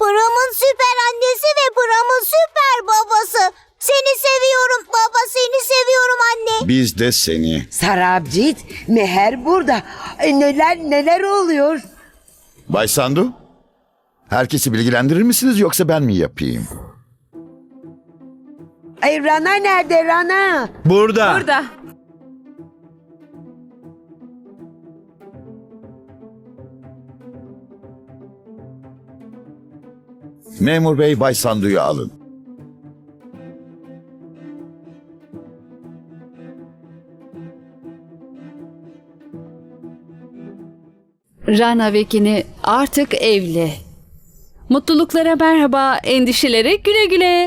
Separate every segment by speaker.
Speaker 1: Pırım'ın süper annesi ve Pırım'ın süper babası. Seni seviyorum baba, seni seviyorum anne.
Speaker 2: Biz de seni.
Speaker 3: Sarabcit, Meher burada. Neler oluyor?
Speaker 2: Bay Sandu, herkesi bilgilendirir misiniz yoksa ben mi yapayım?
Speaker 3: Rana nerede Rana?
Speaker 4: Burada.
Speaker 5: Burada.
Speaker 2: Memur bey, Bay Sandu'yu alın.
Speaker 5: Rana Vekini artık evli. Mutluluklara merhaba, endişelere güle güle.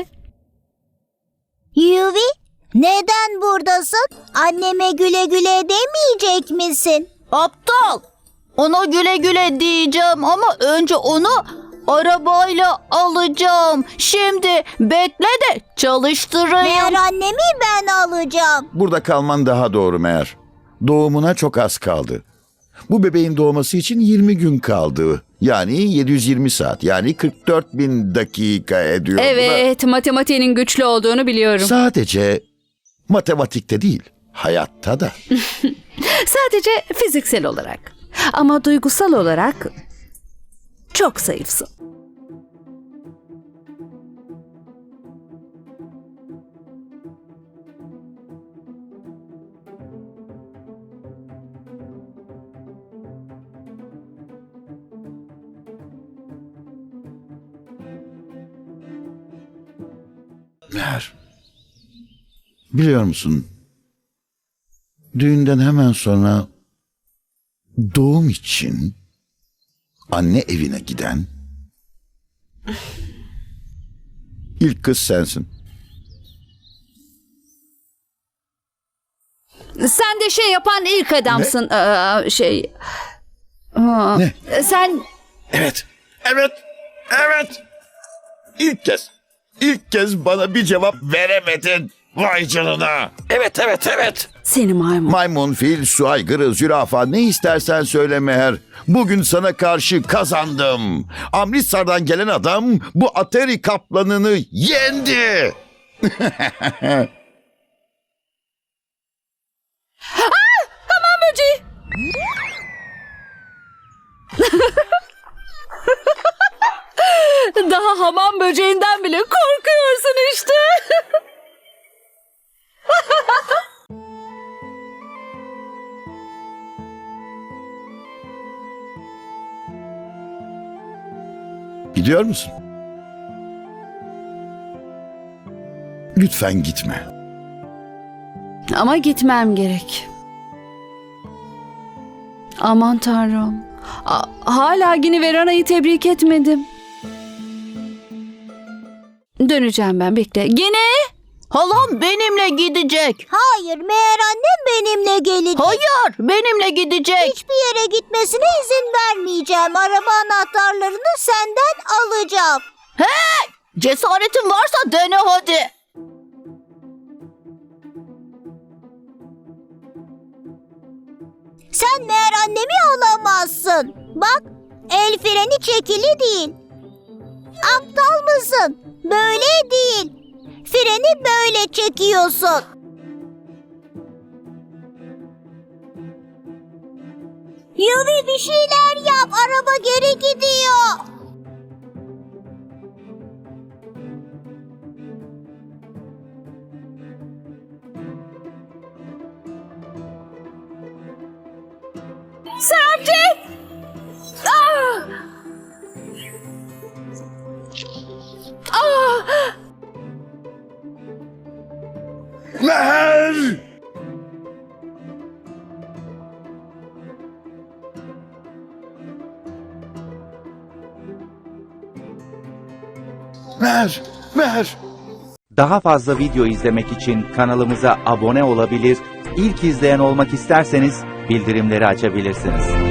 Speaker 1: Yuvi, neden buradasın? Anneme güle güle demeyecek misin?
Speaker 6: Aptal. Ona güle güle diyeceğim ama önce onu arabayla alacağım. Şimdi bekle de çalıştırayım.
Speaker 1: Meğer annemi ben alacağım.
Speaker 2: Burada kalman daha doğru meğer. Doğumuna çok az kaldı. Bu bebeğin doğması için 20 gün kaldı. Yani 720 saat. Yani 44.000 dakika ediyor. Bu da
Speaker 5: Evet, matematiğinin güçlü olduğunu biliyorum.
Speaker 2: sadece matematikte değil, hayatta da.
Speaker 5: Sadece fiziksel olarak. Ama duygusal olarak çok zayıfsın.
Speaker 2: Meğer, biliyor musun? Düğünden hemen sonra doğum için anne evine giden ilk kız sensin.
Speaker 5: Sen de şey yapan ilk adamsın.
Speaker 2: Ne?
Speaker 5: Sen
Speaker 2: Evet, evet, evet. İlk kez bana bir cevap veremedin. Vay canına. Evet.
Speaker 5: seni maymun.
Speaker 2: Maymun, fil, su aygırı, zürafa ne istersen söyle Meher. Bugün sana karşı kazandım. Amritsar'dan gelen adam bu Ateri kaplanını yendi.
Speaker 5: Hamam böceği. Daha hamam böceğinden bile korkuyorsun işte.
Speaker 2: Gidiyor musun? Lütfen gitme.
Speaker 5: Ama gitmem gerek. Aman Tanrım. Hala Gini ve Rana'yı tebrik etmedim. Döneceğim ben, bekle. Gini!
Speaker 6: Halam benimle gidecek.
Speaker 1: Hayır, meğer annem benimle gelecek.
Speaker 6: Hayır, benimle gidecek.
Speaker 1: Hiçbir yere gitmesine izin vermeyeceğim. Araba anahtarlarını senden alacağım.
Speaker 6: Cesaretin varsa dene hadi.
Speaker 1: Sen meğer annemi alamazsın. Bak, el freni çekili değil. Aptal mısın? Böyle değil. Freni böyle çekiyorsun. Yuvi, bir şeyler yap. Araba geri gidiyor.
Speaker 5: Serapcik! Ah! Ah!
Speaker 2: Meher! Meher!
Speaker 7: Daha fazla video izlemek için kanalımıza abone olabilir, ilk izleyen olmak isterseniz bildirimleri açabilirsiniz.